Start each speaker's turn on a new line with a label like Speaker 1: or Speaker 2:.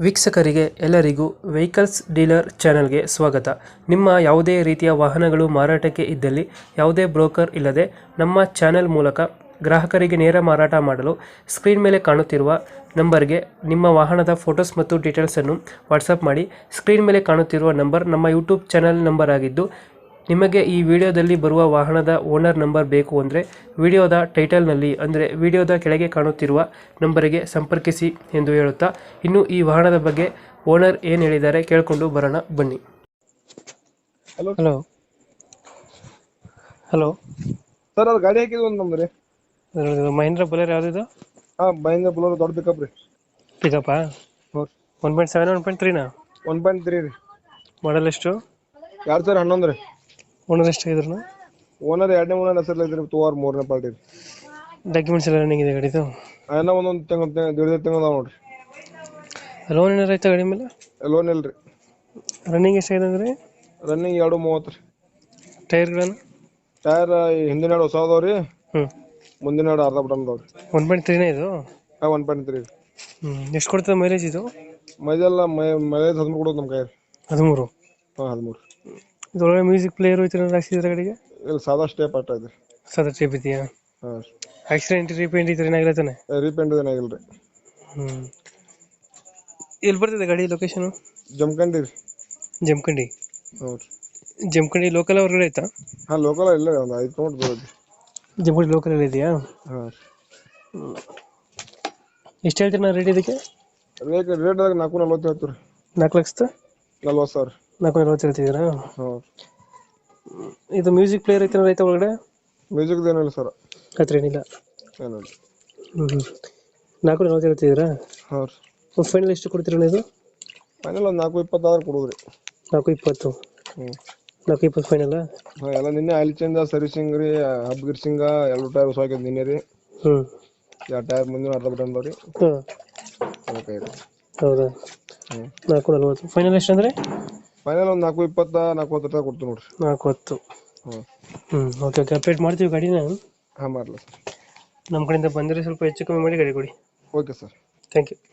Speaker 1: ವೀಕ್ಷಕರಿಗೆ ಎಲ್ಲರಿಗೂ vehicles dealer ಚಾನೆಲ್ಗೆ ಸ್ವಾಗತ. ನಿಮ್ಮ ಯಾವುದೇ ರೀತಿಯ ವಾಹನಗಳು ಮಾರಾಟಕ್ಕೆ ಇದ್ದಲ್ಲಿ ಯಾವುದೇ ಬ್ರೋಕರ್ ಇಲ್ಲದೆ ನಮ್ಮ ಚಾನೆಲ್ ಮೂಲಕ ಗ್ರಾಹಕರಿಗೆ ನೇರ ಮಾರಾಟ ಮಾಡಲು ಸ್ಕ್ರೀನ್ ಮೇಲೆ ಕಾಣುತ್ತಿರುವ ನಂಬರ್ಗೆ ನಿಮ್ಮ ವಾಹನದ ಫೋಟೋಸ್ ಮತ್ತು ಡೀಟೇಲ್ಸನ್ನು ವಾಟ್ಸಪ್ ಮಾಡಿ. ಸ್ಕ್ರೀನ್ ಮೇಲೆ ಕಾಣುತ್ತಿರುವ ನಂಬರ್ ನಮ್ಮ ಯೂಟ್ಯೂಬ್ ಚಾನೆಲ್ ನಂಬರ್ ಆಗಿದ್ದು, ನಿಮಗೆ ಈ ವಿಡಿಯೋದಲ್ಲಿ ಬರುವ ವಾಹನದ ಓನರ್ ನಂಬರ್ ಬೇಕು ಅಂದರೆ ವಿಡಿಯೋದ ಟೈಟಲ್ನಲ್ಲಿ ಅಂದರೆ ವಿಡಿಯೋದ ಕೆಳಗೆ ಕಾಣುತ್ತಿರುವ ನಂಬರಿಗೆ ಸಂಪರ್ಕಿಸಿ ಎಂದು ಹೇಳುತ್ತಾ, ಇನ್ನು ಈ ವಾಹನದ ಬಗ್ಗೆ ಓನರ್ ಏನು ಹೇಳಿದ್ದಾರೆ ಕೇಳಿಕೊಂಡು ಬರೋಣ ಬನ್ನಿ.
Speaker 2: ಹಲೋ
Speaker 1: ಹಲೋ ಹಲೋ
Speaker 2: ಸರ್, ಅದು ಗಾಡಿ ಹಾಕಿದ್ವಿ ಒಂದು ನಮ್ದು ರೀ.
Speaker 1: ಮಹೇಂದ್ರ ಬೊಲೆರೋ ಯಾವುದಿದು?
Speaker 2: ಮಹೇಂದ್ರ ಬುಲೋರೋ ದೊಡ್ಡ ಪಿಕಪ್ ರೀ.
Speaker 1: ಪಿಕಪ್ಪಾ?
Speaker 2: ಹ್ಞೂ
Speaker 1: 1.7 1.3ನಾ?
Speaker 2: 1.3 ರೀ.
Speaker 1: ಮಾಡಲ್ ಎಷ್ಟು?
Speaker 2: 2011 ರೀ.
Speaker 1: ಓನರ್ ಎಷ್ಟಾಗಿದ್ರು?
Speaker 2: ಓನರ್ ಎರಡನೇ ಓನರ್ ಹೆಸರು ಐತ್ರಿ, 3ನೇ ಪಾರ್ಟಿ ರೀ.
Speaker 1: ಡಾಕ್ಯುಮೆಂಟ್ಸ್ ಎಲ್ಲ ರನ್ನಿಂಗ್ ಇದೆ ಗಾಡಿದು?
Speaker 2: ಏನೋ ಒಂದೊಂದು ತಿಂಗಳು ಅದಾವ ನೋಡ್ರಿ.
Speaker 1: ಲೋನ್ ಏನಾರು ಆಯ್ತಾ ಗಾಡಿ ಮೇಲೆ?
Speaker 2: ಲೋನ್ ಇಲ್ರಿ.
Speaker 1: ರನ್ನಿಂಗ್ ಎಷ್ಟಾಗಿದೆ ಅಂದರೆ?
Speaker 2: ರನ್ನಿಂಗ್ 2.30 ರೀ.
Speaker 1: ಟೈರ್ಗಳನ್ನು?
Speaker 2: ಟೈರ್ ಹಿಂದಿನ ಎರಡು ಹೊಸ ಅದಾವ ರೀ,
Speaker 1: ಹ್ಞೂ.
Speaker 2: ಮುಂದಿನ ಎರಡು ಅರ್ಧ ಬಟನ್ ಅದಾವ ರೀ.
Speaker 1: 1.3ನೇ ಇದು?
Speaker 2: 1.3 ರೀ.
Speaker 1: ಎಷ್ಟು ಕೊಡ್ತದೆ ಮೈಲೇಜ್ ಇದು?
Speaker 2: ಮೈಲೇಜ್ 13 ಕೊಡೋದು ನಮ್ಮ ಕೈ.
Speaker 1: 13?
Speaker 2: 13.
Speaker 1: ಇದೊಳಗೆ ಮ್ಯೂಸಿಕ್ ಪ್ಲೇಯರ್ ಐತೆ ಹಾಕ್ಸಿದ್ರೆ ಗಾಡಿಗೆ?
Speaker 2: ಇಲ್ಲಿ ಸಾದಾ ಸ್ಟೇಪ್ ಆಟ ಇದೆ.
Speaker 1: ಸಾದಾ ಟೈಪ್ ಇದೆಯಾ?
Speaker 2: ಹಾಂ.
Speaker 1: ಆಕ್ಸಿಡೆಂಟ್ ರೀಪೇಂಟ್ ಈ ಥರ ಏನಾಗಿರ್ತಾನೆ?
Speaker 2: ರೀಪೇಂಟ್ ಏನಾಗಿಲ್ಲ ರೀ.
Speaker 1: ಎಲ್ಲಿ ಬರ್ತಿದೆ ಗಾಡಿ ಲೊಕೇಶನು?
Speaker 2: ಜಮಖಂಡಿ ರೀ.
Speaker 1: ಜಮಖಂಡಿ?
Speaker 2: ಹ್ಞೂ ರೀ.
Speaker 1: ಜಮಖಂಡಿ ಲೋಕಲ್ ಹೊರಗಡೆ ಆಯ್ತಾ?
Speaker 2: ಲೋಕಲ್ ಇಲ್ಲ, ಒಂದು 5 ಕಿಲೋಮೀಟರ್ ದೂರ ಐತಿ.
Speaker 1: ಜಮಖಂಡಿ ಲೋಕಲ್ ಇದೆಯಾ?
Speaker 2: ಹಾಂ.
Speaker 1: ಎಷ್ಟು ಹೇಳ್ತೀರಿ ನಾನು ರೇಟ್ ಇದಕ್ಕೆ?
Speaker 2: ರೇಟ್ದಾಗ 440 ಹೇಳ್ತೀವಿ ರೀ.
Speaker 1: 4,40,000? 440 ಹೇಳ್ತಿದ್ದೀರಾ?
Speaker 2: ಹಾಂ.
Speaker 1: ಇದು ಮ್ಯೂಸಿಕ್ ಪ್ಲೇಯರ್ ಐತೆ ರೈತ ಒಳಗಡೆ?
Speaker 2: ಮ್ಯೂಸಿಕ್ದು ಏನಿಲ್ಲ ಸರ್.
Speaker 1: ಹತ್ರ ಏನಿಲ್ಲ?
Speaker 2: ಏನಿಲ್ಲ.
Speaker 1: 440 ಹೇಳ್ತಿದ್ದೀರಾ?
Speaker 2: ಹಾಂ ರೀ.
Speaker 1: ಫೈನಲ್ ಎಷ್ಟು ಕೊಡ್ತೀರಣ್ಣ ಇದು?
Speaker 2: ಫೈನಲ್ ಒಂದು 420 ಕೊಡೋದು ರೀ.
Speaker 1: 420?
Speaker 2: ಹ್ಞೂ.
Speaker 1: 420 ಫೈನಲ್?
Speaker 2: ಹಾಂ. ಎಲ್ಲ ನಿನ್ನೆ ಆಯಿಲ್ ಚೇಂಜ್ ಸರ್ವಿಸಿಂಗ್ ರೀ, ಹಬ್ ಗಿರ್ಸಿಂಗ ಎಲ್ಲ ಟೈರ್ ಹೊಸ ಹಾಕಿದ್ ನಿನ್ನೆ ರೀ.
Speaker 1: ಹ್ಞೂ.
Speaker 2: ಎರಡು ಟೈರ್ ಮುಂದಿನ ಅರ್ಧ ಬಟನ್ ಅದಾವ ರೀ.
Speaker 1: ಹಾಂ.
Speaker 2: ಓಕೆ ರೀ.
Speaker 1: ಹೌದಾ?
Speaker 2: ಹ್ಞೂ.
Speaker 1: 440 ಫೈನಲ್ ಎಷ್ಟು ಅಂದರೆ?
Speaker 2: ಫೈನಲ್ ಒಂದು 420 430 ಕೊಡ್ತೀವಿ ನೋಡಿರಿ.
Speaker 1: 410?
Speaker 2: ಹ್ಞೂ.
Speaker 1: ಓಕೆ ಓಕೆ, ಅಪ್ಡೇಟ್ ಮಾಡ್ತೀವಿ ಗಾಡಿನ.
Speaker 2: ಹಾಂ, ಮಾಡಲ ಸರ್.
Speaker 1: ನಮ್ಮ ಕಡೆಯಿಂದ ಬಂದರೆ ಸ್ವಲ್ಪ ಹೆಚ್ಚು ಕಮ್ಮಿ ಮಾಡಿ ಗಾಡಿ ಕೊಡಿ.
Speaker 2: Okay sir.
Speaker 1: Thank you.